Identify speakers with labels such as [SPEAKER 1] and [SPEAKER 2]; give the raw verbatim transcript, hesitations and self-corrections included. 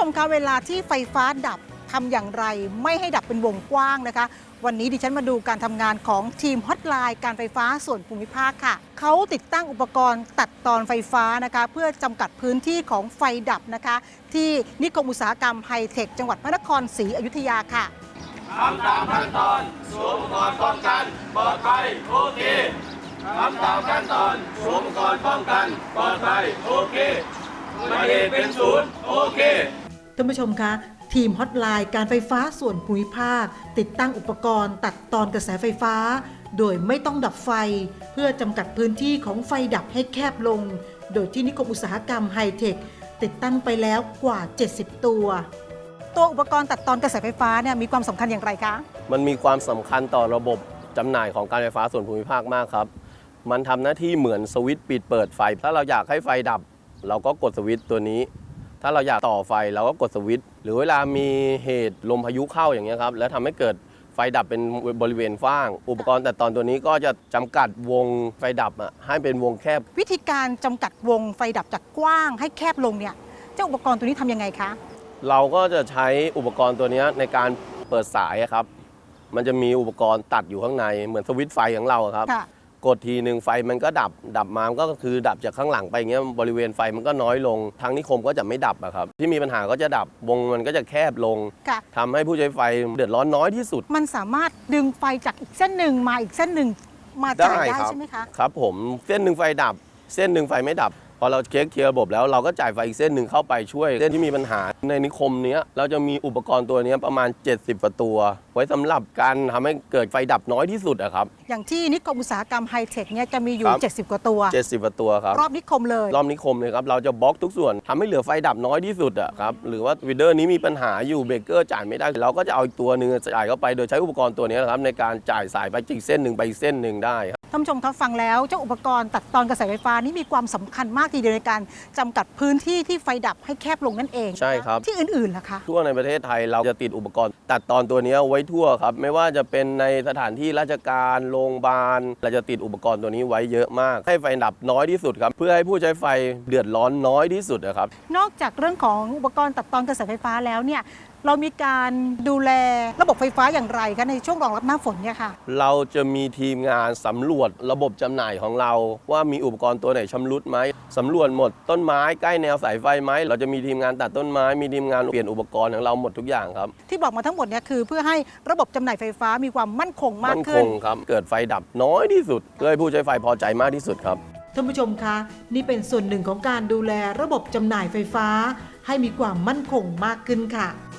[SPEAKER 1] มคะเวลาที่ไฟฟ้าดับทำอย่างไรไม่ให้ดับเป็นวงกว้างนะคะวันนี้ดิฉันมาดูการทำงานของทีมฮอตไลน์การไฟฟ้าส่วนภูมิภาคค่ะเขาติดตั้งอุปกรณ์ตัดตอนไฟฟ้านะคะเพื่อจำกัดพื้นที่ของไฟดับนะคะที่นิคมอุตสาหกรรมไฮเทคจังหวัดพระนครศรีอยุธยาค่ะ
[SPEAKER 2] ทำตามขั้นตอนสวมอุปกรณ์ป้องกันปลอดภัยโอเคทำตามขั้นตอนสวมอุปกรณ์ป้องกันปลอดภัยโอเคไม่ได้เป็นศูนย์โอเค
[SPEAKER 1] ท่านผู้ชมคะทีมฮอตไลน์การไฟฟ้าส่วนภูมิภาคติดตั้งอุปกรณ์ตัดตอนกระแสไฟฟ้าโดยไม่ต้องดับไฟเพื่อจำกัดพื้นที่ของไฟดับให้แคบลงโดยที่นิคมอุตสาหกรรมไฮเทคติดตั้งไปแล้วกว่าเจ็ดสิบตัวตัวอุปกรณ์ตัดตอนกระแสไฟฟ้าเนี่ยมีความสำคัญอย่างไรคะ
[SPEAKER 3] มันมีความสำคัญต่อระบบจำหน่ายของการไฟฟ้าส่วนภูมิภาคมากครับมันทำหน้าที่เหมือนสวิตช์ปิดเปิดไฟถ้าเราอยากให้ไฟดับเราก็กดสวิตช์ตัวนี้ถ้าเราอยากต่อไฟเราก็กดสวิตช์หรือเวลามีเหตุลมพายุเข้าอย่างเงี้ยครับแล้วทำให้เกิดไฟดับเป็นบริเวณฟ้างอุปกรณ์ตัดตอนตัวนี้ก็จะจำกัดวงไฟดับให้เป็นวงแคบ
[SPEAKER 1] วิธีการจำกัดวงไฟดับจากกว้างให้แคบลงเนี่ยเจ้าอุปกรณ์ตัวนี้ทำยังไงคะ
[SPEAKER 3] เราก็จะใช้อุปกรณ์ตัวนี้ในการเปิดสายครับมันจะมีอุปกรณ์ตัดอยู่ข้างในเหมือนสวิตช์ไฟของเราครับกดทีหนึ่งไฟมันก็ดับดับมาก็คือดับจากข้างหลังไปอย่างเงี้ยบริเวณไฟมันก็น้อยลงทางนิคมก็จะไม่ดับอะครับที่มีปัญหาก็จะดับวงมันก็จะแคบลงทำให้ผู้ใช้ไฟเดือดร้อนน้อยที่สุด
[SPEAKER 1] มันสามารถดึงไฟจากอีกเส้นหนึ่งมาอีกเส้นหนึ่งมาจ่ายได้ใช่ไหมคะ
[SPEAKER 3] ครับผมเส้นหนึ่งไฟดับเส้นหนึ่งไฟไม่ดับพอเราเช็คเคลียร์ระบบแล้วเราก็จ่ายไฟอีกเส้นหนึ่งเข้าไปช่วยเส้นที่มีปัญหาในนิคมนี้เราจะมีอุปกรณ์ตัวนี้ประมาณเจ็ดสิบกว่าตัวไว้สำหรับการทำให้เกิดไฟดับน้อยที่สุดอะครับ
[SPEAKER 1] อย่างที่นิคมอุตสาหกรรมไฮเทคเนี่ยจะมีอยู่เจ็ดสิบกว่าตัว
[SPEAKER 3] เจ็ดสิบกว่าตัวครับ
[SPEAKER 1] รอบนิคมเลย
[SPEAKER 3] รอบนิคมเลยครับเราจะบล็อกทุกส่วนทำให้เหลือไฟดับน้อยที่สุดอะครับหรือว่าวีเดอร์นี้มีปัญหาอยู่เบรกเกอร์จ่ายไม่ได้เราก็จะเอาอีกตัวหนึ่งจ่ายเข้าไปโดยใช้อุปกรณ์ตัวนี้นะครับในการจ่ายสายไปอีกเส้นหนึ่งไปอีกเส้นหนึ่งได้
[SPEAKER 1] ท่านผู้ชมครับฟังแล้วเจ้าอุปกรณ์ตัดตอนกระแสไฟฟ้านี่มีความสำคัญมากทีเดียวในการจำกัดพื้นที่ที่ไฟดับให้แคบลงนั่นเอง
[SPEAKER 3] ใช่ครับ
[SPEAKER 1] ที่อื่นๆล่ะคะ
[SPEAKER 3] ทั่วในประเทศไทยเราจะติดอุปกรณ์ตัดตอนตัวนี้ไว้ทั่วครับไม่ว่าจะเป็นในสถานที่ราชการโรงพยาบาลเราจะติดอุปกรณ์ตัวนี้ไว้เยอะมากให้ไฟดับน้อยที่สุดครับเพื่อให้ผู้ใช้ไฟเดือดร้อนน้อยที่สุดนะครับ
[SPEAKER 1] นอกจากเรื่องของอุปกรณ์ตัดตอนกระแสไฟฟ้าแล้วเนี่ยเรามีการดูแลระบบไฟฟ้าอย่างไรคะในช่วงรองรับหน้าฝนเนี่ยค่ะ
[SPEAKER 3] เราจะมีทีมงานสำรวจระบบจำหน่ายของเราว่ามีอุปกรณ์ตัวไหนชำรุดไหมสำรวจหมดต้นไม้ใกล้แนวสายไฟไหมเราจะมีทีมงานตัดต้นไม้มีทีมงานเปลี่ยนอุปกรณ์ของเราหมดทุกอย่างครับ
[SPEAKER 1] ที่บอกมาทั้งหมดเนี่ยคือเพื่อให้ระบบจำหน่ายไฟฟ้ามีความมั่นคงมากขึ้น
[SPEAKER 3] มั่นคงครับเกิดไฟดับน้อยที่สุดเพื่อให้ผู้ใช้ไฟพอใจมากที่สุดครับ
[SPEAKER 1] ท่านผู้ชมคะนี่เป็นส่วนหนึ่งของการดูแลระบบจำหน่ายไฟฟ้าให้มีความมั่นคงมากขึ้นค่ะ